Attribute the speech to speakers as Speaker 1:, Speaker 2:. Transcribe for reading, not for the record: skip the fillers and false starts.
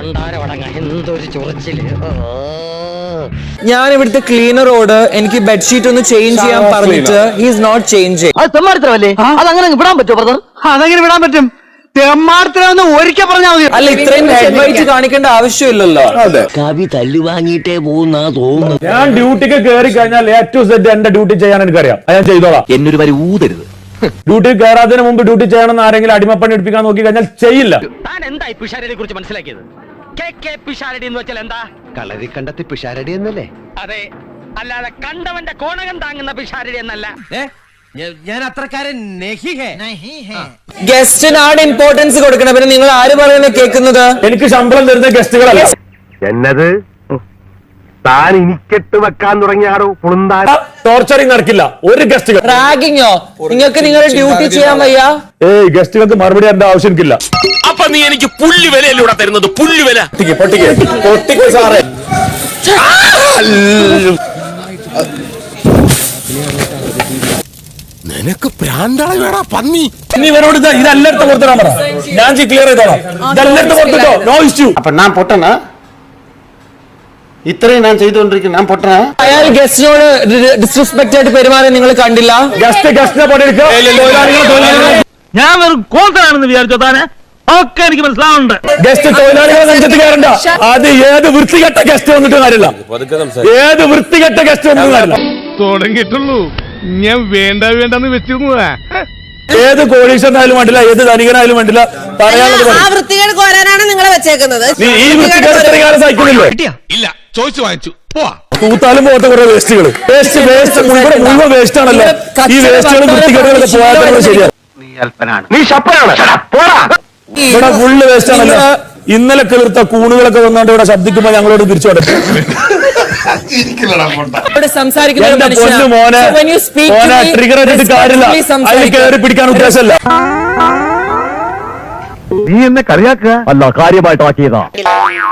Speaker 1: എന്തൊരു ചൊറിച്ചില്.
Speaker 2: ഞാൻ ഇവിടുത്തെ ക്ലീനറോട് എനിക്ക് ബെഡ്ഷീറ്റ് ഒന്ന് ചേഞ്ച് ചെയ്യാൻ പറഞ്ഞിട്ട് ഹീസ് നോട്ട് ചേഞ്ചിങ്.
Speaker 1: അത് തെമ്മാടിത്തരമല്ലേ? അതങ്ങനെ വിടാൻ പറ്റുമോ ബ്രദർ?
Speaker 3: അതങ്ങനെ വിടാൻ പറ്റും? തെമ്മാടിത്തരമെന്ന് ഒരിക്കൽ പറഞ്ഞാൽ മതി.
Speaker 2: അല്ല, ഇത്രയും ഹെഡ് വെയിറ്റ് കാണിക്കേണ്ട ആവശ്യമില്ലല്ലോ.
Speaker 4: കവി തല്ലു വാങ്ങിയിട്ടേ പോകുന്ന തോന്നുന്നു.
Speaker 5: ഞാൻ ഡ്യൂട്ടിക്ക് കയറി കഴിഞ്ഞാൽ A to Z എന്റെ ഡ്യൂട്ടി ചെയ്യാൻ എനിക്കറിയാം. ഞാൻ ചെയ്തോളാം.
Speaker 4: എന്നൊരു വരി ഊതരുത്.
Speaker 5: ഡ്യൂട്ടി കയറാതിന് മുമ്പ് ഡ്യൂട്ടി ചെയ്യണമെന്ന് ആരെങ്കിലും അടിമപ്പണി എടുപ്പിക്കാൻ നോക്കി കഴിഞ്ഞാൽ ചെയ്യില്ല.
Speaker 1: താൻ എന്താ ഈ പിഷാരടിയെ കുറിച്ച് മനസ്സിലാക്കിയത്? പിഷാരടി എന്ന് വെച്ചാൽ എന്താ?
Speaker 4: കളരി കണ്ടത്തി പിഷാരടി എന്നല്ലേ?
Speaker 1: അതെ, അല്ലാതെ കണ്ടവന്റെ കോണകം താങ്ങുന്ന പിഷാരടി എന്നല്ല.
Speaker 4: ഞാൻ അത്രക്കാരൻ
Speaker 2: ഗസ്റ്റിനാണ് ഇമ്പോർട്ടൻസ് കൊടുക്കണം. പിന്നെ നിങ്ങൾ ആര് പറയുന്നത് കേൾക്കുന്നത്?
Speaker 5: എനിക്ക് ശമ്പളം തരുന്ന ഗസ്റ്റുകളല്ല.
Speaker 6: എന്നത് താൻ ഇനിക്കെട്ട് വെക്കാൻ തുടങ്ങിയാടോ
Speaker 5: ടോർച്ചറിങ് നടക്കില്ല. ഒരു ഗസ്റ്റുകൾ
Speaker 2: റാഗിങ്ങോ? നിങ്ങൾക്ക് നിങ്ങളുടെ ഡ്യൂട്ടി ചെയ്യാൻ വയ്യ?
Speaker 5: ഗസ്റ്റുകൾക്ക് മറുപടി എന്റെ ആവശ്യം എനിക്കില്ല.
Speaker 7: അപ്പൊ നീ എനിക്ക് പുല്ല് വിലയിലൂടെ തരുന്നത്? പുല്ല് വില
Speaker 5: പൊട്ടിക്കോ സാറേ.
Speaker 7: നിനക്ക് പ്രാന്താളി വേടാ പന്നി.
Speaker 5: ഇനി ഇവരോട് ഇതെല്ലായിടത്തും കൊടുത്തിടാൻ പറ. ഞാൻ ക്ലിയർ ചെയ്തോളാം. ഇതെല്ലായിടത്തും കൊടുത്തിട്ടോ, നോ ഇഷ്യൂ.
Speaker 6: അപ്പൊ ഞാൻ പൊട്ടണ? ഇത്രയും ഞാൻ ചെയ്തുകൊണ്ടിരിക്കുന്നു, ഞാൻ പൊട്ടണ?
Speaker 2: അയാൾ ഗസ്റ്റിനോട് ഡിസ്റെസ്പെക്ട് ആയിട്ട് പെരുമാറാൻ നിങ്ങൾ കണ്ടില്ല?
Speaker 5: ഗസ്റ്റിനെ പണിയെടുക്കുക.
Speaker 3: ഞാൻ വെറും കോന്തനാണെന്ന് വിചാരിച്ചോ താനെ? ഒക്കെ എനിക്ക് മനസ്സിലാവുന്നുണ്ട്.
Speaker 5: ഗസ്റ്റ് തൊഴിലാളികളെ നെഞ്ചത്ത് കയറണ്ട. അത് ഏത് വൃത്തികെട്ട ഗസ്റ്റ് വന്നിട്ട് കാര്യമില്ല. ഏത് വൃത്തികെട്ട ഗസ്റ്റ് വന്നിട്ട് കാര്യമില്ല.
Speaker 8: തുടങ്ങിയിട്ടുള്ളൂ. ഞാൻ വേണ്ടെന്ന് വെച്ചിരുന്നതാ.
Speaker 5: ഏത് കോടീശ്വരനായാലും വേണ്ടില്ല, ഏത് ധനികനായാലും വേണ്ടില്ല, പറയാനുള്ളത്
Speaker 9: വൃത്തികേട് കോരാനാണ് നിങ്ങളെ വെച്ചേക്കുന്നത്.
Speaker 5: നീ ഈ വൃത്തികേട് എത്ര കാലം സഹിക്കുന്നില്ലേ?
Speaker 7: ഇല്ല, ചോദിച്ചു വാങ്ങിച്ചു. പോവാ.
Speaker 5: തൂത്താലും പോകത്തെ കുറെ വേസ്റ്റുകൾ. വേസ്റ്റ് മുഴുവൻ വേസ്റ്റ് ആണല്ലോ. ഈ വേസ്റ്റുകളും വൃത്തികേടുകളൊക്കെ പോയാൽ ശരിയാണ്.
Speaker 6: നീ ശപ്പനാണ്.
Speaker 5: ഇവിടെ ഫുള്ള് വേസ്റ്റ് ആണല്ലോ. ഇന്നലെ കിളിർത്ത കൂണുകളൊക്കെ വന്നുകൊണ്ട് ഇവിടെ ശബ്ദിക്കുമ്പോ ഞങ്ങളോട് തിരിച്ചു കൊടുക്കും. ട്രിഗർ ചെയ്തിട്ട് കാര്യമില്ല. അതിൽ കയറി പിടിക്കാൻ ഉദ്ദേശമല്ല.
Speaker 6: നീ എന്നെ കളിയാക്കുക? അല്ല, കാര്യമായിട്ടാക്കിയതാ.